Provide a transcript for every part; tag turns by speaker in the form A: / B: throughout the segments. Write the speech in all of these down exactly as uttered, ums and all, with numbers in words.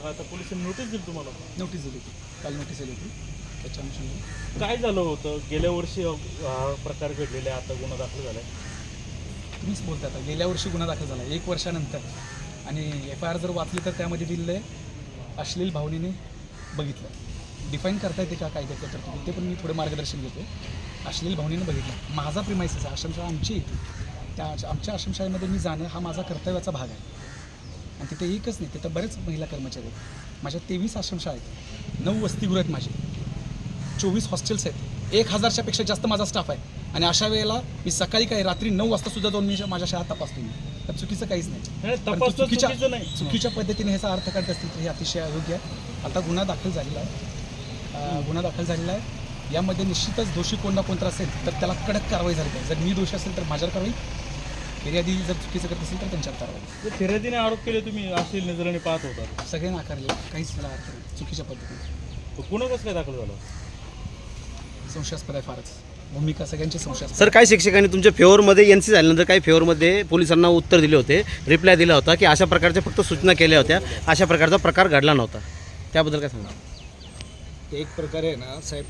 A: आता पोलिसांनी नोटीस दिली तुम्हाला?
B: नोटीस दिली होती, काल नोटीस दिली होती. त्याच्या अनुषंगाने
A: काय झालं होतं? गेल्या वर्षी हा प्रकार घडलेला आहे, आता गुन्हा दाखल झाला आहे.
B: तुम्हीच बोलता आता गेल्या वर्षी गुन्हा दाखल झाला एक वर्षानंतर, आणि एफ आय आर जर वाचली तर त्यामध्ये दिलेलं आहे अश्लील भावनेने बघितलं. डिफाईन करता येते का कायद्याच्या तरतुदी, ते पण मी थोडं मार्गदर्शन घेतो. अश्लील भावनेने बघितलं. माझा प्रिमायसिस आहे, आश्रमशाळा आमची येते, त्या आमच्या आश्रमशाळेमध्ये मी जाणं हा माझा कर्तव्याचा भाग आहे. आणि तिथे एकच नाही, तिथं बरेच महिला कर्मचारी आहेत. माझ्या तेवीस आश्रमशाळा आहेत, नऊ वसतिगृह आहेत, माझे चोवीस हॉस्टेल्स आहेत, एक हजारच्या पेक्षा जास्त माझा स्टाफ आहे. आणि अशा वेळेला मी सकाळी काय रात्री नऊ वाजता सुद्धा जाऊन मी माझ्या शाळा तपासतो. मी तर चुकीचं काहीच नाही. चुकीच्या चुकीच्या पद्धतीने ह्याचा अर्थ काढत असतील तर हे अतिशय अयोग्य आहे. आता गुन्हा दाखल झालेला आहे, गुन्हा दाखल झालेला आहे. यामध्ये निश्चितच दोषी कोण ना कोणता असेल तर त्याला कडक कारवाई झाली पाहिजे. जर मी दोषी असेल तर माझ्यावर कारवाई, फिर्यादी जर चुकीचं करत असेल तर त्यांच्यावर कारवाई.
A: फिर्यादीने आरोप केले तुम्ही अश्लील नजरेने पाहत होता,
B: सगळे नाकारले, काहीच त्याला अर्थ नाही. चुकीच्या पद्धतीने
A: गुन्हा कसं काय दाखल झाला?
B: संशयास्पद आहे फारच, भूमिका सगळ्यांची संशयास्पद.
C: सर, काही शिक्षकांनी तुमच्या फेवरमध्ये एन सी झाल्यानंतर काही फेवरमध्ये पोलिसांना उत्तर दिले होते, रिप्लाय दिला होता की अशा प्रकारच्या फक्त सूचना केल्या होत्या, अशा प्रकारचा प्रकार घडला नव्हता. त्याबद्दल काय सांगा?
D: एक प्रकारे ना साहेब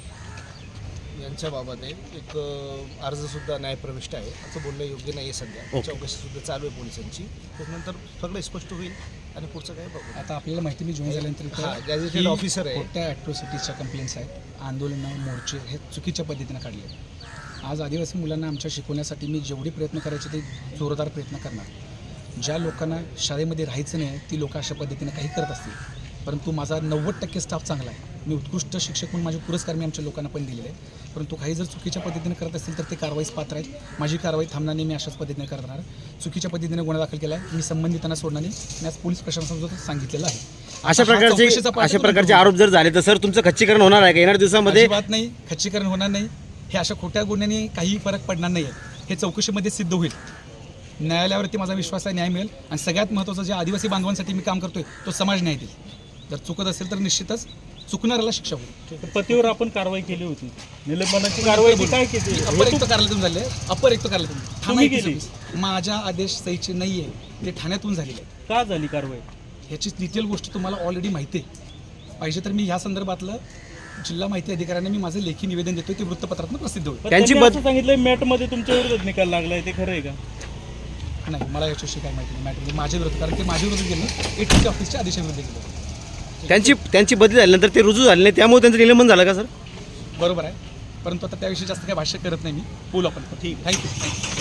D: यांच्याबाबत एक अर्जसुद्धा न्यायप्रविष्ट आहे, असं बोलणं योग्य नाही आहे. सध्या चौकशीसुद्धा चालू आहे पोलिसांची, त्यानंतर सगळं स्पष्ट होईल आणि पुढचं काय बघू.
B: आता आपल्याला माहिती, मी जॉईन झाल्यानंतर
D: गॅझेटेड ऑफिसर आहे,
B: मोठ्या ॲट्रॉसिटीजच्या कंप्लेंट्स आहेत, आंदोलनं मोर्चे हे चुकीच्या पद्धतीनं काढले. आज आदिवासी मुलांना आमच्या शिकवण्यासाठी मी जेवढे प्रयत्न करायचे ते जोरदार प्रयत्न करणार. ज्या लोकांना शाळेमध्ये राहायचं नाही ती लोक अशा पद्धतीनं काही करत असतील, परंतु माझा नव्वद टक्के स्टाफ चांगला आहे. मी उत्कृष्ट शिक्षक म्हणून माझे पुरस्कार मी आमच्या लोकांना पण दिलेले आहेत. परंतु काही जर चुकीच्या पद्धतीने करत असतील तर ते कारवाईस पात्र आहेत. माझी कारवाई थांबणार नाही, मी अशाच पद्धतीने करणार. चुकीच्या पद्धतीने गुन्हा दाखल केला आहे, मी संबंधितांना सोडणार नाही. मी आज पोलीस प्रशासनासुद्धा सांगितलेलं आहे.
C: अशा प्रकारचे अशा प्रकारचे आरोप जर झाले तर सर तुमचं खच्चीकरण होणार आहे का येणाऱ्या दिवसामध्ये?
B: बात नाही, खच्चीकरण होणार नाही. हे अशा खोट्या गुन्ह्याने काही फरक पडणार नाही आहे. हे चौकशीमध्ये सिद्ध होईल. न्यायालयावरती माझा विश्वास आहे, न्याय मिळेल. आणि सगळ्यात महत्त्वाचं जे आदिवासी बांधवांसाठी मी काम करतोय तो समाज न्याय देईल. जर चुकत असेल तर निश्चितच चुकणाऱ्याला शिक्षा होईल.
A: पतीवर आपण कारवाई केली होती, निलंबनाची कारवाई काय केली?
B: अपरयुक्त कार्यालयातून झाले, अपरयुक्त कार्यालयातून
A: तुम्ही केली?
B: माझ्या आदेश सहीचे नाही आहे, ते ठाण्यातून झालेले आहे.
A: का झाली कारवाई?
B: ह्याची डिटेल गोष्ट तुम्हाला ऑलरेडी माहिती आहे. पाहिजे तर मी ह्या संदर्भातलं जिल्हा माहिती अधिकाऱ्यांना मी माझं लेखी निवेदन देतोय, ते वृत्तपत्रातून प्रसिद्ध होईल.
A: त्यांची असं सांगितलंय मॅटमध्ये तुमच्या विरोधात निकाल लागलाय, ते खरं आहे का?
B: नाही, मला याच्याविषयी काय माहिती नाही. मॅटमध्ये माझ्या विरोधात, कारण ते माझ्या विरोधात गेलं, एटीसी ऑफिसच्या आदेशाविरुद्ध गेलं.
C: त्यांची त्यांची बदली झाल्यानंतर ते रुजू झाले नाही, त्यामुळे त्यांचं निलंबन झालं का सर?
B: बरोबर आहे, परंतु आता त्याविषयी जास्त काही भाष्य करत नाही मी. बोलू आपण. ठीक, थँक्यू.